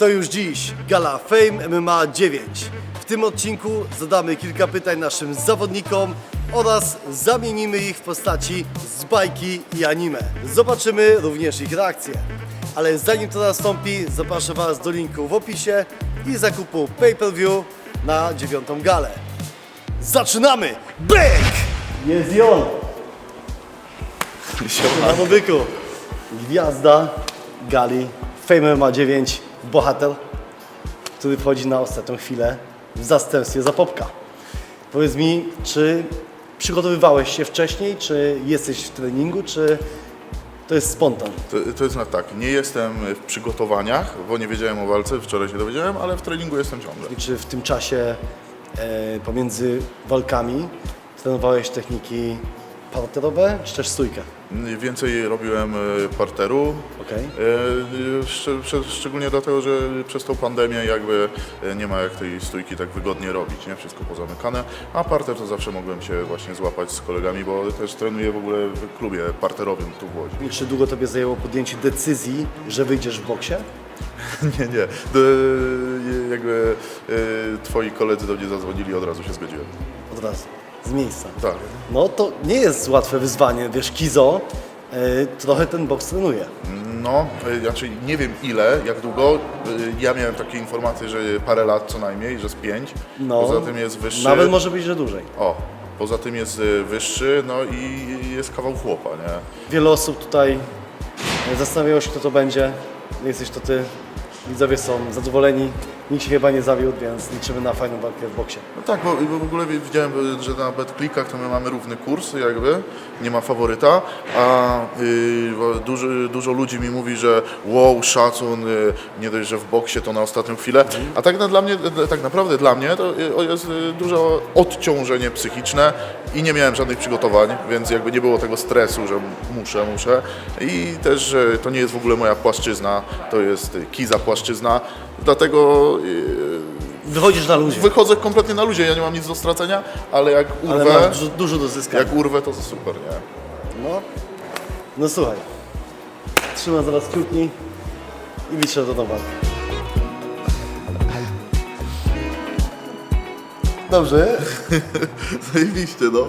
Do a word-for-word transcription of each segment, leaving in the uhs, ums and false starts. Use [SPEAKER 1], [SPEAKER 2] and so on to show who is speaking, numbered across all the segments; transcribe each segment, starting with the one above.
[SPEAKER 1] To już dziś gala Fame M M A dziewięć. W tym odcinku zadamy kilka pytań naszym zawodnikom oraz zamienimy ich w postaci z bajki i anime. Zobaczymy również ich reakcje. Ale zanim to nastąpi, zapraszam Was do linku w opisie i zakupu pay-per-view na dziewiątą galę. Zaczynamy! Bang! Jest i on! Na mobyku. Gwiazda gali Fame M M A dziewięć, bohater, który wchodzi na ostatnią chwilę w zastępstwie za Popka. Powiedz mi, czy przygotowywałeś się wcześniej, czy jesteś w treningu, czy to jest spontan?
[SPEAKER 2] To, to jest tak, nie jestem w przygotowaniach, bo nie wiedziałem o walce, wczoraj się dowiedziałem, ale w treningu jestem ciągle.
[SPEAKER 1] I czy w tym czasie e, pomiędzy walkami trenowałeś techniki parterowe, czy też stójkę?
[SPEAKER 2] Więcej robiłem parteru,
[SPEAKER 1] Okej.
[SPEAKER 2] e, szcz, szcz, szczególnie dlatego, że przez tą pandemię jakby nie ma jak tej stójki tak wygodnie robić, nie? Wszystko pozamykane, a parter to zawsze mogłem się właśnie złapać z kolegami, bo też trenuję w ogóle w klubie parterowym tu w Łodzi.
[SPEAKER 1] I czy długo Tobie zajęło podjęcie decyzji, że wyjdziesz w boksie?
[SPEAKER 2] Nie, nie, Do, jakby e, twoi koledzy do mnie zadzwonili, od razu się zgodziłem.
[SPEAKER 1] Od razu, z miejsca.
[SPEAKER 2] Tak.
[SPEAKER 1] No to nie jest łatwe wyzwanie, wiesz, Kizo e, trochę ten boks trenuje.
[SPEAKER 2] No, y, znaczy nie wiem ile, jak długo. Y, Ja miałem takie informacje, że parę lat co najmniej, że z pięć.
[SPEAKER 1] No,
[SPEAKER 2] Poza tym jest wyższy.
[SPEAKER 1] Nawet może być, że dłużej.
[SPEAKER 2] O, poza tym jest y, wyższy, no i jest kawał chłopa, nie?
[SPEAKER 1] Wiele osób tutaj e, zastanawiało się, kto to będzie. Jesteś to Ty. Widzowie są zadowoleni. Nikt się chyba nie zawiódł, więc liczymy na fajną walkę w boksie.
[SPEAKER 2] No tak, bo, bo w ogóle widziałem, że na BetClickach to my mamy równy kurs jakby, nie ma faworyta, a y, dużo, dużo ludzi mi mówi, że wow, szacun, y, nie dość, że w boksie to na ostatnią chwilę, a tak, na, dla mnie, tak naprawdę dla mnie to y, jest y, duże odciążenie psychiczne i nie miałem żadnych przygotowań, więc jakby nie było tego stresu, że muszę, muszę i też, że to nie jest w ogóle moja płaszczyzna, to jest Kiza płaszczyzna, dlatego
[SPEAKER 1] Wychodzisz na luzie,
[SPEAKER 2] wychodzę kompletnie na luzie, ja nie mam nic do stracenia, ale jak
[SPEAKER 1] ale
[SPEAKER 2] urwę,
[SPEAKER 1] masz dużo, dużo do zyskania.
[SPEAKER 2] jak urwę to super, nie?
[SPEAKER 1] No, no słuchaj. Trzymam zaraz kciuki i liczę do walki. Dobrze.
[SPEAKER 2] Zajebiście, no.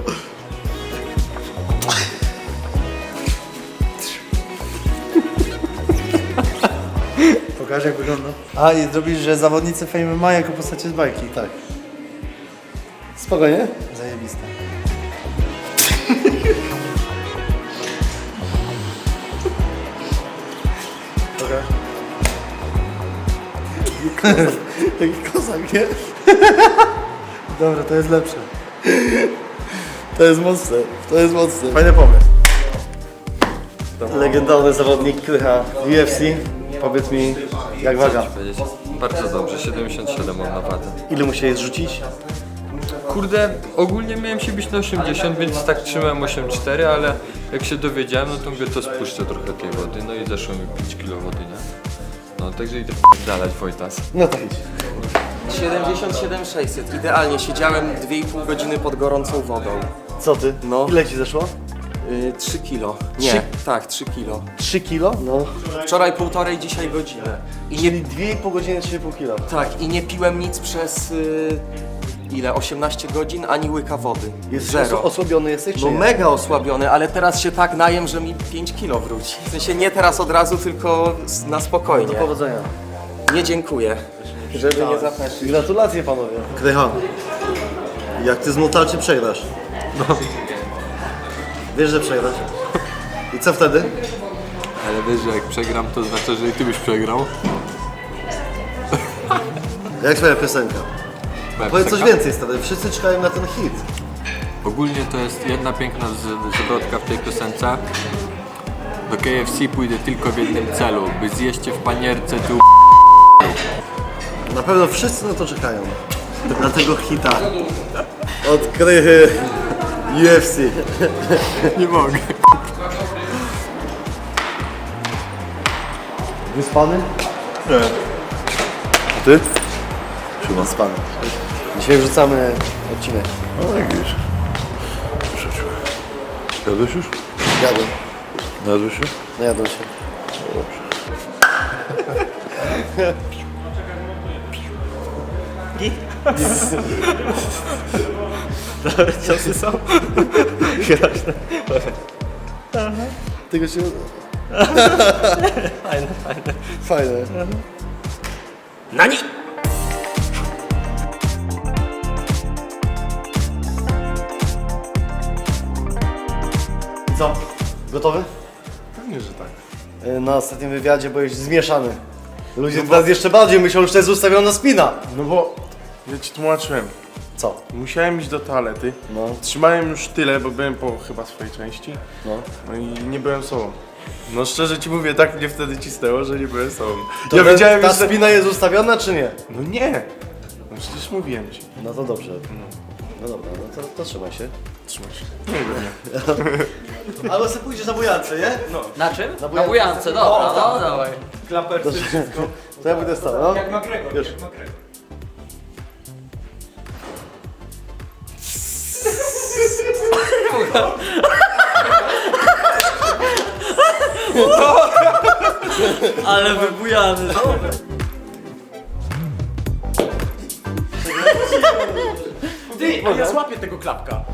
[SPEAKER 3] Pokaż, jak wygląda. A, i zrobisz, że zawodnicy Fame M M A jako postacie z bajki.
[SPEAKER 1] Tak. Spokojnie.
[SPEAKER 3] Zajebiste.
[SPEAKER 1] Okej. Taki kozak, nie?
[SPEAKER 3] Dobra, to jest lepsze.
[SPEAKER 1] To jest mocne, to jest mocne.
[SPEAKER 3] Fajny pomysł.
[SPEAKER 1] Legendarny zawodnik Krycha w U F C. Powiedz mi, jak waga?
[SPEAKER 4] powiedzieć. Bardzo dobrze, siedemdziesiąt siedem mam na wadze.
[SPEAKER 1] Ile musiałeś zrzucić?
[SPEAKER 4] Kurde, ogólnie miałem się bić na osiemdziesiąt, więc tak trzymałem osiemdziesiąt cztery, ale jak się dowiedziałem, no to mówię, to spuszczę trochę tej wody, no i zeszło mi pięć kilo wody, nie? No także idę dalej Wojtas.
[SPEAKER 1] No to idź.
[SPEAKER 5] siedemdziesiąt siedem sześćset. Idealnie, siedziałem dwie i pół godziny pod gorącą wodą.
[SPEAKER 1] Co ty?
[SPEAKER 5] No.
[SPEAKER 1] Ile ci zeszło?
[SPEAKER 5] Yy, trzy kilo. Nie,
[SPEAKER 1] Trzy-
[SPEAKER 5] tak, trzy kilo.
[SPEAKER 1] trzy kilo? No.
[SPEAKER 5] Wczoraj półtorej, dzisiaj godzinę. I nie,
[SPEAKER 1] Czyli dwie i pół godziny, trzy i pół kilo.
[SPEAKER 5] tak, i nie piłem nic przez yy, ile? osiemnaście godzin, ani łyka wody.
[SPEAKER 1] Jesteś
[SPEAKER 5] Zero.
[SPEAKER 1] oso- osłabiony jesteś, czy
[SPEAKER 5] No
[SPEAKER 1] nie?
[SPEAKER 5] mega osłabiony, ale teraz się tak najem, że mi pięć kilo wróci. W sensie nie teraz od razu, tylko s- na
[SPEAKER 1] Do
[SPEAKER 5] spokojnie.
[SPEAKER 1] powodzenia.
[SPEAKER 5] Nie dziękuję, żeby nie zapeszyć.
[SPEAKER 1] Gratulacje panowie. Krycha, jak ty z Motalczy przegrasz? No. Wiesz, że przegrasz? I co wtedy?
[SPEAKER 4] Ale wiesz, że jak przegram, to znaczy, że i ty byś przegrał.
[SPEAKER 1] Jak twoja piosenka?
[SPEAKER 4] Moja
[SPEAKER 1] Powiedz coś
[SPEAKER 4] piosenka?
[SPEAKER 1] więcej stary, wszyscy czekają na ten hit.
[SPEAKER 4] Ogólnie to jest jedna piękna z- zwrotka w tej piosence. Do K F C pójdę tylko w jednym celu, by zjeść cię w panierce, ty
[SPEAKER 1] Na pewno wszyscy na to czekają. Na tego hita. Od Krychy U F C.
[SPEAKER 4] nie mogę.
[SPEAKER 1] Wyspany?
[SPEAKER 2] Nie. A ty?
[SPEAKER 1] Wyspany. Dzisiaj wrzucamy odcinek.
[SPEAKER 2] No jak widzisz. Wrzuciłem. Jadłeś już?
[SPEAKER 1] Jadłem.
[SPEAKER 2] Jadłeś się?
[SPEAKER 1] Najadłem się.
[SPEAKER 5] Git? Dobre ciosy są?
[SPEAKER 1] Tego się uda.
[SPEAKER 5] Fajne, fajne.
[SPEAKER 1] Fajne.
[SPEAKER 5] Nani!
[SPEAKER 1] Co? Gotowy?
[SPEAKER 2] Pewnie, że tak.
[SPEAKER 1] E, Na ostatnim wywiadzie byłeś zmieszany. Ludzie teraz jeszcze bardziej myślą, że to jest ustawiona spina.
[SPEAKER 6] No bo ja ci tłumaczyłem.
[SPEAKER 1] Co?
[SPEAKER 6] Musiałem iść do toalety.
[SPEAKER 1] No.
[SPEAKER 6] Trzymałem już tyle, bo byłem po chyba swojej części.
[SPEAKER 1] No.
[SPEAKER 6] No i nie byłem sobą. No szczerze ci mówię, tak mnie wtedy cisnęło, że nie byłem sobą.
[SPEAKER 1] To
[SPEAKER 6] ja
[SPEAKER 1] ten-
[SPEAKER 6] wiedziałem
[SPEAKER 1] ta
[SPEAKER 6] już, że...
[SPEAKER 1] spina jest ustawiona czy nie?
[SPEAKER 6] No nie! No przecież mówiłem ci.
[SPEAKER 1] No to dobrze. No dobra, no to, to trzymaj się.
[SPEAKER 6] Trzymaj się. Nie wiem, nie.
[SPEAKER 1] Ale sobie pójdziesz na bujance, nie?
[SPEAKER 7] Na czym?
[SPEAKER 1] Na
[SPEAKER 7] Na bujance, dobra, no dawaj.
[SPEAKER 1] To ja będę stał, no.
[SPEAKER 7] Jak McGregor,
[SPEAKER 1] Już.
[SPEAKER 7] jak McGregor. Ale wybujany.
[SPEAKER 5] Ty, a ja złapię tego klapka.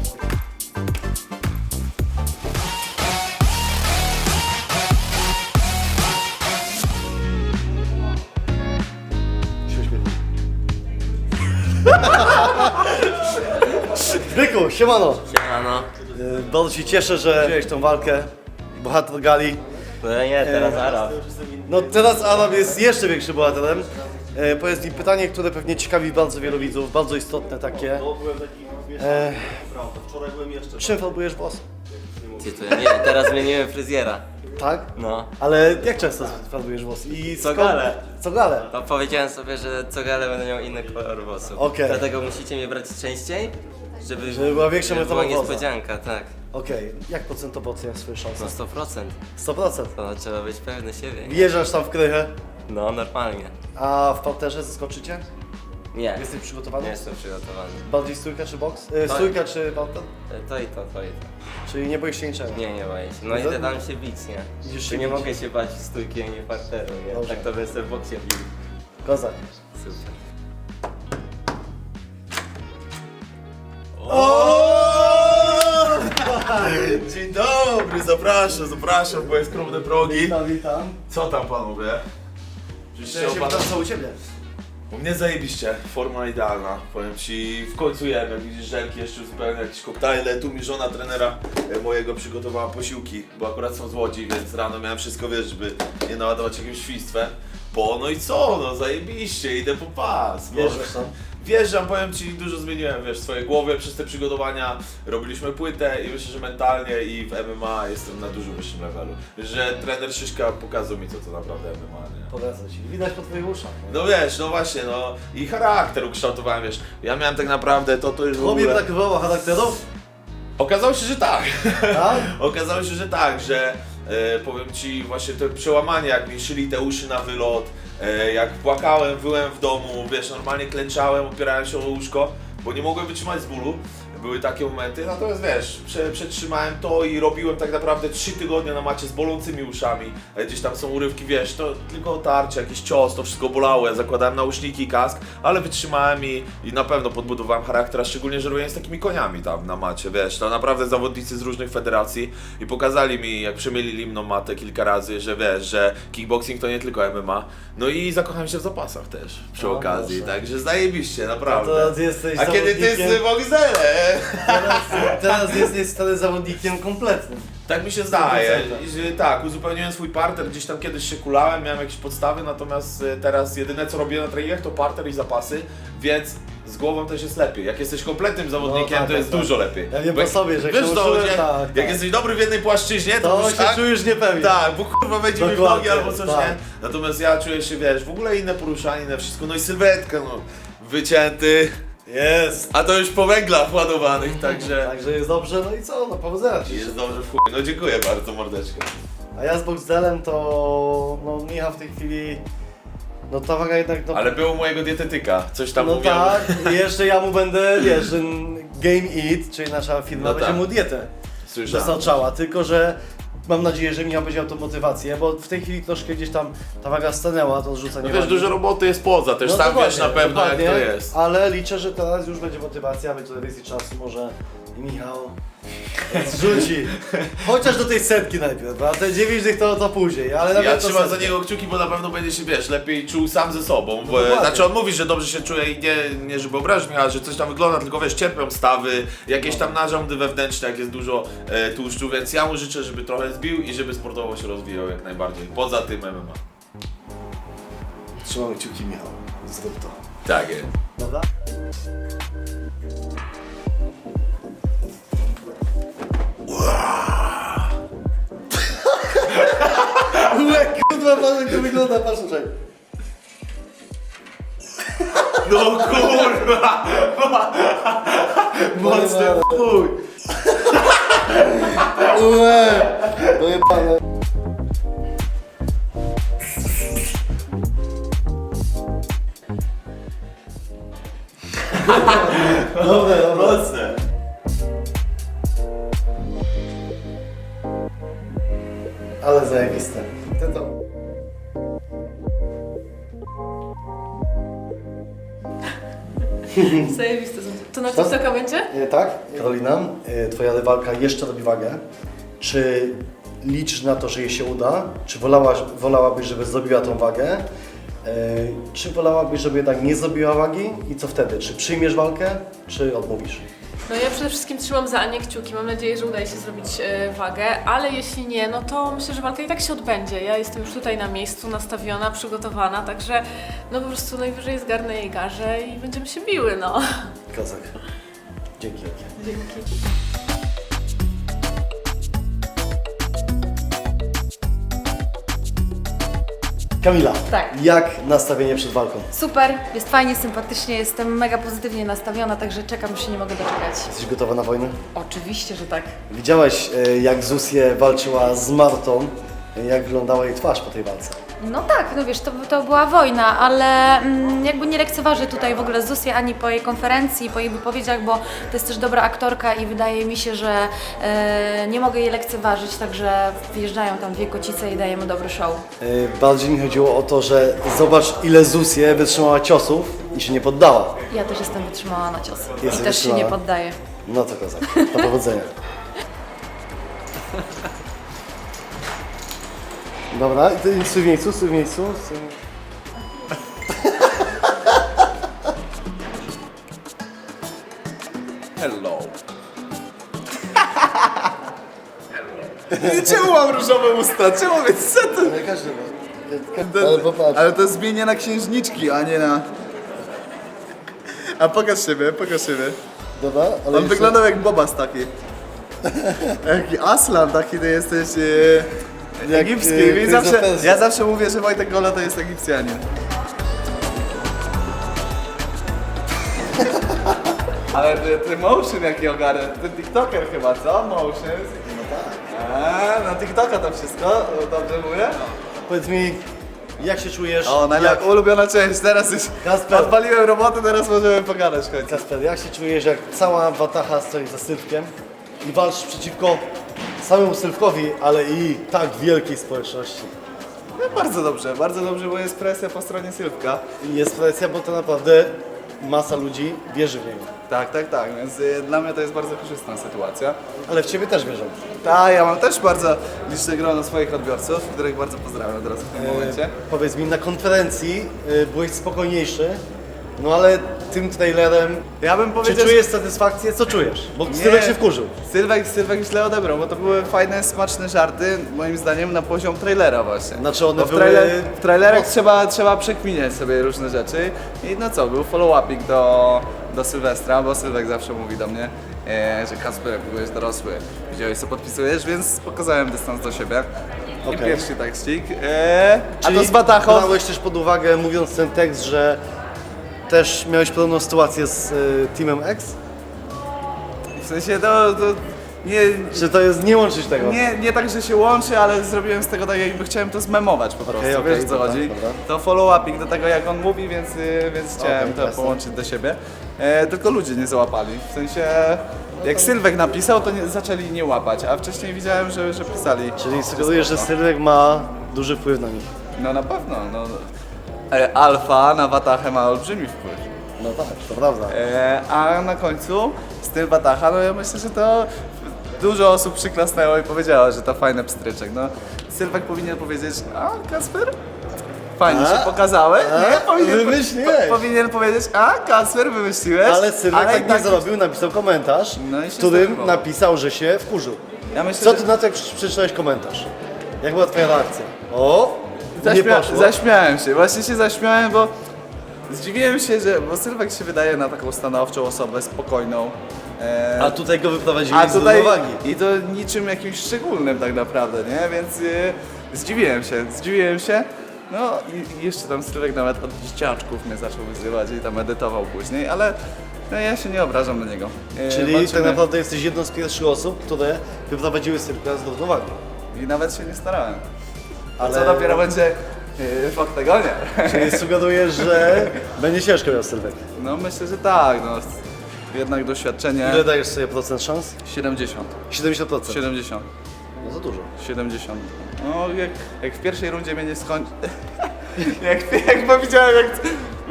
[SPEAKER 1] Byku, siemano.
[SPEAKER 5] Siemano.
[SPEAKER 1] E, Bardzo się cieszę, że wziąłeś tą walkę. Bohater gali.
[SPEAKER 5] To nie, teraz Arab.
[SPEAKER 1] No teraz Adam jest jeszcze większym bohaterem. E, powiedz mi pytanie, które pewnie ciekawi bardzo wielu widzów, bardzo istotne takie. E, czym farbujesz włosy?
[SPEAKER 8] Ty, to ja nie, teraz zmieniłem fryzjera.
[SPEAKER 1] Tak?
[SPEAKER 8] No.
[SPEAKER 1] Ale jak często farbujesz włosy? I
[SPEAKER 8] Co
[SPEAKER 1] skąd-
[SPEAKER 8] galę.
[SPEAKER 1] Co galę?
[SPEAKER 8] No powiedziałem sobie, że co galę będę miał inny kolor włosów.
[SPEAKER 1] Okej.
[SPEAKER 8] Dlatego musicie mnie brać częściej, żeby,
[SPEAKER 1] Żeby była większa
[SPEAKER 8] żeby była
[SPEAKER 1] metamorfoza.
[SPEAKER 8] niespodzianka, tak.
[SPEAKER 1] Okej, jak procentowo oceniasz swoje szanse?
[SPEAKER 8] No sto procent.
[SPEAKER 1] sto procent.
[SPEAKER 8] To trzeba być pewny siebie.
[SPEAKER 1] Wjeżdżasz tam w krychę,
[SPEAKER 8] No, normalnie.
[SPEAKER 1] a w parterze zaskoczycie?
[SPEAKER 8] Nie,
[SPEAKER 1] Jesteś przygotowany?
[SPEAKER 8] nie jestem przygotowany.
[SPEAKER 1] Bardziej stójka czy boks? E,
[SPEAKER 8] Tak.
[SPEAKER 1] stójka czy parter?
[SPEAKER 8] To i to, to i to.
[SPEAKER 1] Czyli nie boisz się niczego?
[SPEAKER 8] Nie, nie boję się. No
[SPEAKER 1] Za-
[SPEAKER 8] idę tam się bić, nie?
[SPEAKER 1] Idziesz
[SPEAKER 8] Tu
[SPEAKER 1] się
[SPEAKER 8] nie
[SPEAKER 1] bić.
[SPEAKER 8] mogę się bać stójki, a nie parteru, nie?
[SPEAKER 1] Dobrze.
[SPEAKER 8] Tak to bym sobie w boksie bił.
[SPEAKER 1] Kozak.
[SPEAKER 8] Super.
[SPEAKER 2] Dzień dobry, zapraszam, zapraszam, bo jest krówne progi.
[SPEAKER 1] Witam, witam.
[SPEAKER 2] Co tam panowie? Oczywiście
[SPEAKER 1] Chciałem się
[SPEAKER 2] opada-
[SPEAKER 1] pytać, co u Ciebie?
[SPEAKER 2] U mnie zajebiście, forma idealna. Powiem ci, w końcu jem, jak widzisz, żelki jeszcze uzupełniam jakieś koktajle. Tu mi żona trenera e, mojego przygotowała posiłki, bo akurat są z Łodzi, więc rano miałem wszystko, wiesz, żeby nie naładować jakimś świństwem. Po, no i co, no zajebiście, idę po pas. bo-
[SPEAKER 1] Wjeżdżasz tam?
[SPEAKER 2] Wjeżdżam, powiem ci, dużo zmieniłem, wiesz, w swojej głowie przez te przygotowania. Robiliśmy płytę i myślę, że mentalnie i w M M A jestem na dużo wyższym levelu. Że trener Szyszka pokazał mi, co to naprawdę M M A, nie?
[SPEAKER 1] Polecam Ci. Widać po Twoich uszach.
[SPEAKER 2] No wiesz, no właśnie, no i charakter ukształtowałem, wiesz, ja miałem tak naprawdę to, to już w
[SPEAKER 1] Tobie
[SPEAKER 2] ogóle...
[SPEAKER 1] brakowało charakteru?
[SPEAKER 2] Okazało się, że tak.
[SPEAKER 1] Tak?
[SPEAKER 2] Okazało się, że tak, że e, powiem ci właśnie to przełamanie, jak mi szyli te uszy na wylot, e, jak płakałem, wyłem w domu, wiesz, normalnie klęczałem, opierałem się o łóżko, bo nie mogłem wytrzymać z bólu. Były takie momenty, natomiast wiesz, prze, przetrzymałem to i robiłem tak naprawdę trzy tygodnie na macie z bolącymi uszami. E, Gdzieś tam są urywki, wiesz, to tylko tarcie, jakiś cios, to wszystko bolało, ja zakładałem nauszniki i kask, ale wytrzymałem i, i na pewno podbudowałem charakter, a szczególnie, że robiłem z takimi koniami tam na macie, wiesz, to naprawdę zawodnicy z różnych federacji i pokazali mi, jak przemielili mną matę kilka razy, że wiesz, że kickboxing to nie tylko M M A, no i zakochałem się w zapasach też przy
[SPEAKER 1] O,
[SPEAKER 2] okazji,
[SPEAKER 1] proszę.
[SPEAKER 2] także zajebiście, naprawdę.
[SPEAKER 1] To ty jesteś
[SPEAKER 2] A kiedy ty
[SPEAKER 1] zawodnikiem-
[SPEAKER 2] z Boxerem?
[SPEAKER 1] Teraz, teraz jesteś stary zawodnikiem kompletnym.
[SPEAKER 2] Tak mi się zdaje, I że tak, uzupełniłem swój parter, gdzieś tam kiedyś się kulałem, miałem jakieś podstawy, natomiast e, teraz jedyne co robię na treningach to parter i zapasy, więc z głową też jest lepiej. Jak jesteś kompletnym zawodnikiem,
[SPEAKER 1] No tak,
[SPEAKER 2] to jest
[SPEAKER 1] tak,
[SPEAKER 2] dużo
[SPEAKER 1] tak.
[SPEAKER 2] lepiej.
[SPEAKER 1] Ja wiem
[SPEAKER 2] Bo
[SPEAKER 1] po sobie, że jak
[SPEAKER 2] wiesz
[SPEAKER 1] się
[SPEAKER 2] to,
[SPEAKER 1] uczyłem,
[SPEAKER 2] że
[SPEAKER 1] tak,
[SPEAKER 2] jak
[SPEAKER 1] tak.
[SPEAKER 2] jesteś dobry w jednej płaszczyźnie, to,
[SPEAKER 1] To
[SPEAKER 2] już
[SPEAKER 1] się
[SPEAKER 2] tak,
[SPEAKER 1] czujesz niepewnie.
[SPEAKER 2] tak, bo kurwa wejdzie mi w nogi
[SPEAKER 1] Dokładnie,
[SPEAKER 2] albo coś,
[SPEAKER 1] tak.
[SPEAKER 2] nie? Natomiast ja czuję się, wiesz, w ogóle inne poruszanie, inne wszystko, no i sylwetka, no, wycięty,
[SPEAKER 1] Jest.
[SPEAKER 2] a to już po węglach ładowanych, także
[SPEAKER 1] Także jest dobrze, no i co? No powodzenia Ci.
[SPEAKER 2] jest dobrze w chuj. No dziękuję bardzo, mordeczko.
[SPEAKER 1] A ja z Boxdelem to... No Michał w tej chwili... No ta waga jednak... No,
[SPEAKER 2] Ale był u mojego dietetyka, coś tam
[SPEAKER 1] no
[SPEAKER 2] mówił.
[SPEAKER 1] tak, i jeszcze ja mu będę, wiesz, że Game Eat, czyli nasza firma,
[SPEAKER 2] No
[SPEAKER 1] będzie
[SPEAKER 2] tak.
[SPEAKER 1] mu dietę
[SPEAKER 2] Słyszałem.
[SPEAKER 1] dostarczała, tylko że mam nadzieję, że Michał będzie miał tą motywację, bo w tej chwili troszkę gdzieś tam ta waga stanęła, to zrzucanie
[SPEAKER 6] No wiesz,
[SPEAKER 1] wagi.
[SPEAKER 6] dużo roboty jest poza, też
[SPEAKER 1] No
[SPEAKER 6] sam
[SPEAKER 1] dokładnie,
[SPEAKER 6] wiesz na pewno
[SPEAKER 1] dokładnie,
[SPEAKER 6] jak to jest.
[SPEAKER 1] Ale liczę, że teraz już będzie motywacja, będzie tutaj więcej czasu, może i Michał zrzuci. Chociaż do tej setki najpierw, a te dziewięć dych to, to później, ale nawet
[SPEAKER 6] Ja
[SPEAKER 1] to
[SPEAKER 6] trzymam za
[SPEAKER 1] setki.
[SPEAKER 6] niego kciuki, bo na pewno będzie się, wiesz, lepiej czuł sam ze sobą. Bo,
[SPEAKER 1] dokładnie.
[SPEAKER 6] znaczy on mówi, że dobrze się czuje i nie, nie żeby obrazić mnie, ale że coś tam wygląda, tylko wiesz, cierpią stawy, jakieś tam narządy wewnętrzne, jak jest dużo e, tłuszczu, więc ja mu życzę, żeby trochę zbił i żeby sportowo się rozwijał jak najbardziej. Poza tym M M A.
[SPEAKER 1] Trzymamy kciuki, Michał, zrób to.
[SPEAKER 6] Tak jest.
[SPEAKER 1] Dobra? Ue, kurwa, patrz jak to wygląda, patrz tutaj.
[SPEAKER 6] No kurwa! Mocny chuj!
[SPEAKER 1] Ue, dojebane. Dobre, dobre.
[SPEAKER 6] Mocne!
[SPEAKER 1] Ale zajebiste. Ty to.
[SPEAKER 9] Zajebiste są. To na
[SPEAKER 1] Co?
[SPEAKER 9] TikToka będzie?
[SPEAKER 1] E, tak, Karolina, e, twoja rywalka jeszcze robi wagę. Czy liczysz na to, że jej się uda? Czy wolałaś, wolałabyś, żeby zrobiła tą wagę? E, czy wolałabyś, żeby jednak nie zrobiła wagi? I co wtedy? Czy przyjmiesz walkę, czy odmówisz?
[SPEAKER 9] No ja przede wszystkim trzymam za Anię kciuki. Mam nadzieję, że uda jej się zrobić e, wagę, ale jeśli nie, no to myślę, że walka i tak się odbędzie. Ja jestem już tutaj na miejscu, nastawiona, przygotowana, także no po prostu najwyżej zgarnę jej garzę i będziemy się biły, no.
[SPEAKER 1] Kozak. Dzięki wielkie.
[SPEAKER 9] Dzięki.
[SPEAKER 1] Kamila,
[SPEAKER 10] Tak.
[SPEAKER 1] jak nastawienie przed walką?
[SPEAKER 10] Super, jest fajnie, sympatycznie, jestem mega pozytywnie nastawiona, także czekam, już się nie mogę doczekać.
[SPEAKER 1] Jesteś gotowa na wojnę?
[SPEAKER 10] Oczywiście, że tak.
[SPEAKER 1] Widziałaś, e, jak Zusję walczyła z Martą, e, jak wyglądała jej twarz po tej walce.
[SPEAKER 10] No tak, no wiesz, to, to była wojna, ale mm, jakby nie lekceważę tutaj w ogóle Zusię ani po jej konferencji, po jej wypowiedziach, bo to jest też dobra aktorka i wydaje mi się, że e, nie mogę jej lekceważyć, także wjeżdżają tam dwie kocice i dajemy dobry show.
[SPEAKER 1] E, Bardziej mi chodziło o to, że zobacz, ile Zusję wytrzymała ciosów i się nie poddała.
[SPEAKER 10] Ja też jestem wytrzymała na cios i
[SPEAKER 1] Jesteś
[SPEAKER 10] też się
[SPEAKER 1] wytrzymała?
[SPEAKER 10] nie poddaję.
[SPEAKER 1] No to kozak, do powodzenia. Dobra, i ty stój w miejscu, stój w miejscu. Stój...
[SPEAKER 6] Hello. Czemu mam różowe usta? Czemu więc co to?
[SPEAKER 1] Ale każdy ma. Ale popatrz.
[SPEAKER 3] Ale to zmienia na księżniczki, a nie na... A pokaż siebie, pokaż siebie.
[SPEAKER 1] Dobra, ale
[SPEAKER 3] On
[SPEAKER 1] jeszcze-
[SPEAKER 3] wyglądał jak Bobas taki. Jaki Aslan taki, ty jesteś e,
[SPEAKER 1] Jak,
[SPEAKER 3] egipski.
[SPEAKER 1] e,
[SPEAKER 3] I
[SPEAKER 1] Prince
[SPEAKER 3] zawsze,
[SPEAKER 1] of Persia.
[SPEAKER 3] ja zawsze mówię, że Wojtek Gola to jest Egipcjanin. Ale ty, ty motion jaki ogarę, ty TikToker chyba, co? Motion? No tak. A, na TikToka to wszystko, dobrze mówię?
[SPEAKER 1] Powiedz mi, jak się czujesz?
[SPEAKER 3] O, najlepiej,
[SPEAKER 1] jak...
[SPEAKER 3] ulubiona część, teraz już
[SPEAKER 1] Kasper.
[SPEAKER 3] odpaliłem robotę, teraz możemy pogadać w końcu.
[SPEAKER 1] Kasper, jak się czujesz, jak cała watacha stoi za Sylwkiem i walczysz przeciwko samemu Sylwkowi, ale i tak wielkiej społeczności?
[SPEAKER 3] No, bardzo dobrze, bardzo dobrze, bo jest presja po stronie Sylwka.
[SPEAKER 1] I jest presja, bo to naprawdę masa ludzi wierzy w niego.
[SPEAKER 3] Tak, tak, tak, więc y, dla mnie to jest bardzo korzystna sytuacja.
[SPEAKER 1] Ale w Ciebie też wierzą.
[SPEAKER 3] Tak, ja mam też bardzo liczne grono swoich odbiorców, których bardzo pozdrawiam teraz w tym momencie.
[SPEAKER 1] E, powiedz mi, na konferencji e, byłeś spokojniejszy, no ale tym trailerem,
[SPEAKER 3] Ja bym
[SPEAKER 1] czy
[SPEAKER 3] powiedział,
[SPEAKER 1] czujesz satysfakcję? Co czujesz? Bo
[SPEAKER 3] Nie.
[SPEAKER 1] Sylwek się wkurzył.
[SPEAKER 3] Sylwek, Sylwek źle odebrał, bo to były fajne, smaczne żarty, moim zdaniem na poziom trailera właśnie.
[SPEAKER 1] Znaczy one
[SPEAKER 3] Bo w,
[SPEAKER 1] były...
[SPEAKER 3] trailer, w trailerach
[SPEAKER 1] mocne.
[SPEAKER 3] trzeba, trzeba przekminiać sobie różne rzeczy i no co, był follow-upik do, do Sylwestra, bo Sylwek zawsze mówi do mnie, e, że Kasper, jak byłeś dorosły, widziałeś co podpisujesz, więc pokazałem dystans do siebie. I
[SPEAKER 1] Okej.
[SPEAKER 3] pierwszy tekstik. E, a
[SPEAKER 1] Czyli
[SPEAKER 3] to z Batachą.
[SPEAKER 1] brałeś też pod uwagę, mówiąc ten tekst, że też miałeś podobną sytuację z y, Teamem X?
[SPEAKER 3] W sensie to, to nie,
[SPEAKER 1] Czy to jest, nie łączyć tego?
[SPEAKER 3] nie, nie tak, że się łączy, ale zrobiłem z tego tak, jakby chciałem to zmemować po prostu,
[SPEAKER 1] okej,
[SPEAKER 3] wiesz o co
[SPEAKER 1] dobra,
[SPEAKER 3] chodzi?
[SPEAKER 1] dobra.
[SPEAKER 3] To follow-uping do tego, jak on mówi, więc, y, więc chciałem
[SPEAKER 1] Okej,
[SPEAKER 3] to
[SPEAKER 1] jasne.
[SPEAKER 3] połączyć do siebie. E, tylko ludzie nie załapali, w sensie jak Sylwek napisał, to nie, zaczęli nie łapać, a wcześniej widziałem, że, że pisali.
[SPEAKER 1] Czyli sugerujesz, że Sylwek ma duży wpływ na nich.
[SPEAKER 3] No na pewno, no. E, Alfa na Watachę ma olbrzymi wpływ.
[SPEAKER 1] No tak, to prawda.
[SPEAKER 3] E, a na końcu styl Watacha, no ja myślę, że to dużo osób przyklasnęło i powiedziało, że to fajny pstryczek. No, Sylwek powinien powiedzieć, a Kasper? Fajnie
[SPEAKER 1] A?
[SPEAKER 3] się pokazałeś,
[SPEAKER 1] A?
[SPEAKER 3] nie? Powinien,
[SPEAKER 1] Wymyśliłeś.
[SPEAKER 3] po, powinien powiedzieć, a Kasper wymyśliłeś?
[SPEAKER 1] Ale Sylwek
[SPEAKER 3] Ale
[SPEAKER 1] tak
[SPEAKER 3] i
[SPEAKER 1] nie zrobił, napisał komentarz,
[SPEAKER 3] No i się
[SPEAKER 1] w którym
[SPEAKER 3] zdenerwował.
[SPEAKER 1] napisał, że się wkurzył.
[SPEAKER 3] Ja myślę,
[SPEAKER 1] Co
[SPEAKER 3] że
[SPEAKER 1] ty na to, jak prze- przeczytałeś komentarz? Jak była twoja reakcja? O! Nie
[SPEAKER 3] zaśmia
[SPEAKER 1] poszło.
[SPEAKER 3] zaśmiałem się, właśnie się zaśmiałem, bo zdziwiłem się, że, bo Sylwek się wydaje na taką stanowczą osobę, spokojną. E,
[SPEAKER 1] A tutaj go wyprowadzili
[SPEAKER 3] A
[SPEAKER 1] z
[SPEAKER 3] tutaj
[SPEAKER 1] równowagi.
[SPEAKER 3] i to niczym jakimś szczególnym tak naprawdę, nie? Więc y, zdziwiłem się, zdziwiłem się. No i i jeszcze tam Sylwek nawet od dzieciaczków mnie zaczął wyzywać i tam edytował później, ale no, ja się nie obrażam na niego. Y,
[SPEAKER 1] Czyli
[SPEAKER 3] walczymy.
[SPEAKER 1] tak naprawdę jesteś jedną z pierwszych osób, które wyprowadziły Sylwka z równowagi.
[SPEAKER 3] I nawet się nie starałem. A
[SPEAKER 1] Ale-
[SPEAKER 3] co dopiero będzie y, w oktagonie?
[SPEAKER 1] Czyli sugerujesz, że będzie ciężko miał Sylwek.
[SPEAKER 3] No myślę, że tak, no. Jednak doświadczenie
[SPEAKER 1] Ile dajesz sobie procent szans?
[SPEAKER 3] siedemdziesiąt.
[SPEAKER 1] siedemdziesiąt procent.
[SPEAKER 3] siedemdziesiąt.
[SPEAKER 1] No za dużo.
[SPEAKER 3] siedemdziesiąt. No jak, jak w pierwszej rundzie mnie nie skończy... jak, jak powiedziałem, jak...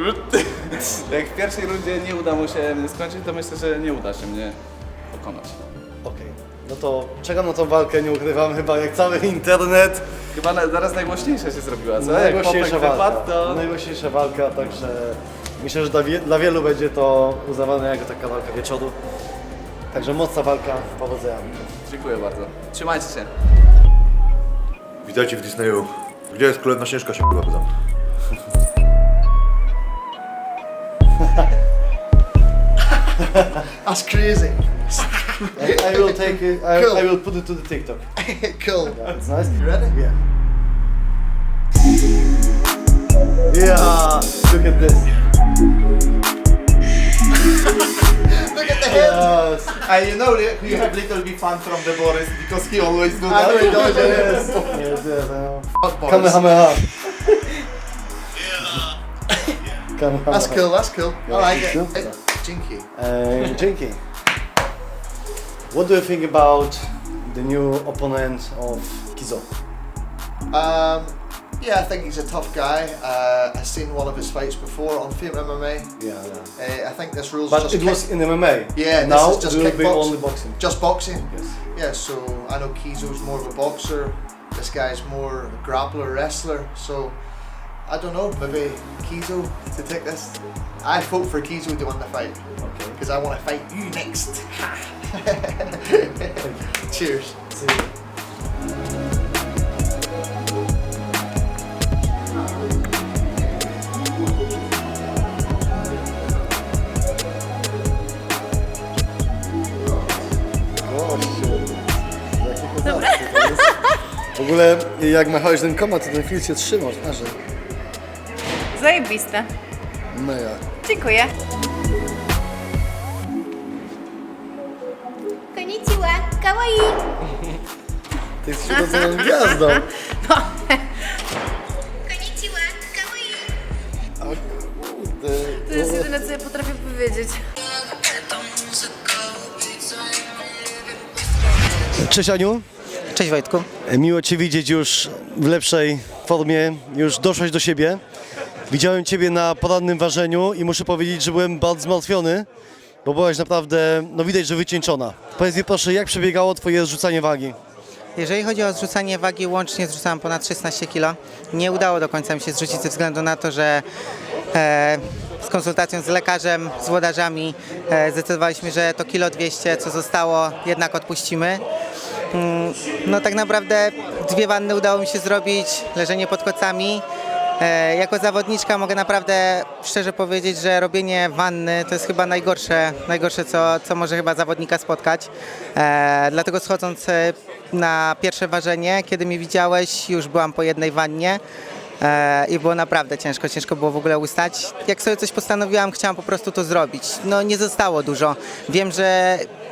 [SPEAKER 3] jak w pierwszej rundzie nie uda mu się mnie skończyć, to myślę, że nie uda się mnie pokonać.
[SPEAKER 1] Okej. No to czekam na tą walkę, nie ukrywam, chyba jak cały internet.
[SPEAKER 3] Chyba na, zaraz najgłośniejsza się zrobiła, co?
[SPEAKER 1] Najgłośniejsza
[SPEAKER 3] jak Popek
[SPEAKER 1] walka.
[SPEAKER 3] wypadł, to...
[SPEAKER 1] Najgłośniejsza walka, także myślę, że dla, wie, dla wielu będzie to uznawane jako taka walka wieczoru. Także mocna walka, powodzenia.
[SPEAKER 3] Dziękuję bardzo. Trzymajcie się.
[SPEAKER 11] Witajcie w Disneyu. Gdzie jest królewna Śnieżka się chyba pytam.
[SPEAKER 12] That's crazy.
[SPEAKER 1] I, I will take it, I,
[SPEAKER 12] Cool.
[SPEAKER 1] I will put it to the TikTok.
[SPEAKER 12] Cool.
[SPEAKER 1] It's nice.
[SPEAKER 12] You ready?
[SPEAKER 1] Yeah. Yeah, look at this.
[SPEAKER 12] Look at the head.
[SPEAKER 1] Yes.
[SPEAKER 6] And you know that you have little bit fun from the Boris because he always do
[SPEAKER 12] I
[SPEAKER 6] that.
[SPEAKER 12] know he does,
[SPEAKER 1] Yes, yes, yes, I know.
[SPEAKER 12] Fuck boys.
[SPEAKER 1] Kamehameha. Kamehameha.
[SPEAKER 12] That's cool, that's cool. I like it.
[SPEAKER 1] Cool.
[SPEAKER 12] Hey, Jinky.
[SPEAKER 1] Uh, Jinky, what do you think about the new opponent of Kizo?
[SPEAKER 12] Um, yeah, I think he's a tough guy. Uh, I've seen one of his fights before on Fame M M A.
[SPEAKER 1] Yeah, yeah.
[SPEAKER 12] Uh, I think this rule's
[SPEAKER 1] But
[SPEAKER 12] just
[SPEAKER 1] it was
[SPEAKER 12] kick-
[SPEAKER 1] in M M A.
[SPEAKER 12] Yeah, this
[SPEAKER 1] now
[SPEAKER 12] is just
[SPEAKER 1] it will be
[SPEAKER 12] kickbox-
[SPEAKER 1] only boxing.
[SPEAKER 12] just boxing.
[SPEAKER 1] Yes.
[SPEAKER 12] Yeah, so I know Kizo's more of a boxer. This guy's more a grappler, wrestler. So I don't know, maybe Kizo to take this. I vote for Kizo to win the fight.
[SPEAKER 1] Okay.
[SPEAKER 12] Because I want to fight you next. Cheers.
[SPEAKER 1] See you. W ogóle jak machałeś ten komat, to ten film się trzymał, a że
[SPEAKER 13] Zajebiste.
[SPEAKER 1] mega.
[SPEAKER 13] Dziękuję.
[SPEAKER 10] Konnichiwa, kawaii!
[SPEAKER 1] Ty jesteś urodzoną gwiazdą.
[SPEAKER 10] Konnichiwa, kawaii!
[SPEAKER 1] O kurde.
[SPEAKER 13] To jest jedyne, co ja potrafię powiedzieć.
[SPEAKER 1] Cześć Aniu.
[SPEAKER 5] Cześć Wojtku.
[SPEAKER 1] Miło Cię widzieć już w lepszej formie, już doszłaś do siebie. Widziałem Ciebie na porannym ważeniu i muszę powiedzieć, że byłem bardzo zmartwiony, bo byłaś naprawdę, no widać, że wycieńczona. Powiedz mi proszę, jak przebiegało Twoje zrzucanie wagi?
[SPEAKER 5] Jeżeli chodzi o zrzucanie wagi, łącznie zrzucałem ponad szesnaście kilo. Nie udało do końca mi się zrzucić ze względu na to, że e, z konsultacją z lekarzem, z włodarzami e, zdecydowaliśmy, że to kilo dwieście, co zostało, jednak odpuścimy. Mm, no tak naprawdę dwie wanny udało mi się zrobić, leżenie pod kocami. E, jako zawodniczka mogę naprawdę szczerze powiedzieć, że robienie wanny to jest chyba najgorsze, najgorsze co, co może chyba zawodnika spotkać. E, dlatego schodząc e, na pierwsze ważenie, kiedy mnie widziałeś, już byłam po jednej wannie. E, I było naprawdę ciężko, ciężko było w ogóle ustać. Jak sobie coś postanowiłam, chciałam po prostu to zrobić. No nie zostało dużo. Wiem, że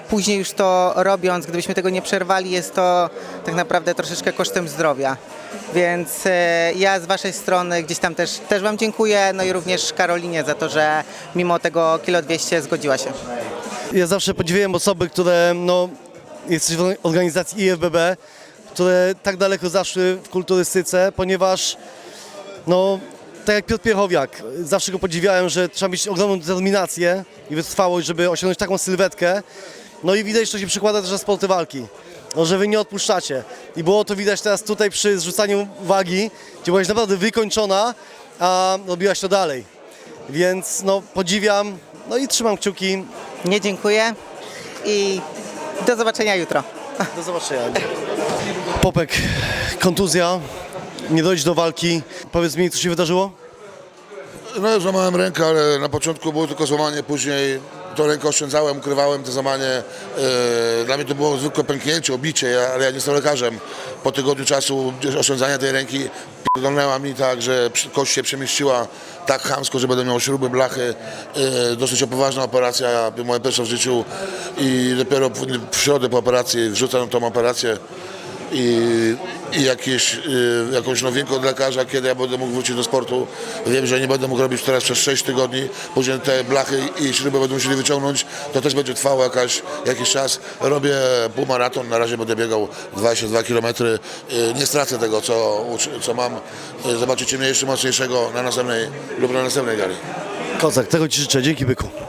[SPEAKER 5] później już to robiąc, gdybyśmy tego nie przerwali, jest to tak naprawdę troszeczkę kosztem zdrowia. Więc e, ja z waszej strony gdzieś tam też, też wam dziękuję, no i również Karolinie za to, że mimo tego kilo dwieście zgodziła się.
[SPEAKER 1] Ja zawsze podziwiam osoby, które no, jesteś w organizacji I F B B, które tak daleko zaszły w kulturystyce, ponieważ no, tak jak Piotr Piechowiak, zawsze go podziwiałem, że trzeba mieć ogromną determinację i wytrwałość, żeby osiągnąć taką sylwetkę. No i widać, że to się przekłada też na sporty walki, no, że wy nie odpuszczacie. I było to widać teraz tutaj przy zrzucaniu wagi, gdzie byłaś naprawdę wykończona, a robiłaś to dalej. Więc no, podziwiam, no i trzymam kciuki.
[SPEAKER 5] Nie dziękuję i do zobaczenia jutro.
[SPEAKER 1] Do zobaczenia. Popek, kontuzja, nie dojść do walki. Powiedz mi, co się wydarzyło?
[SPEAKER 14] No, złamałem rękę, ale na początku było tylko złamanie, później tą rękę oszczędzałem, ukrywałem to złamanie. Yy, Dla mnie to było zwykłe pęknięcie, obicie, ja, ale ja nie jestem lekarzem. Po tygodniu czasu oszczędzania tej ręki p***dolnęła mi tak, że przy- kość się przemieściła tak chamsko, że będę miał śruby, blachy. Yy, Dosyć poważna operacja, moja pierwsza w życiu i dopiero w, w środę po operacji wrzucam tą operację. I, i jakieś, y, jakąś nowinkę od lekarza, kiedy ja będę mógł wrócić do sportu. Wiem, że nie będę mógł robić teraz przez sześć tygodni, później te blachy i śruby będą musieli wyciągnąć, to też będzie trwało jakaś, jakiś czas. Robię półmaraton, na razie będę biegał dwadzieścia dwa kilometry. Y, nie stracę tego, co, co mam. Y, zobaczycie mnie jeszcze mocniejszego na następnej lub na następnej gali.
[SPEAKER 1] Kozak, tego ci życzę, dzięki byku.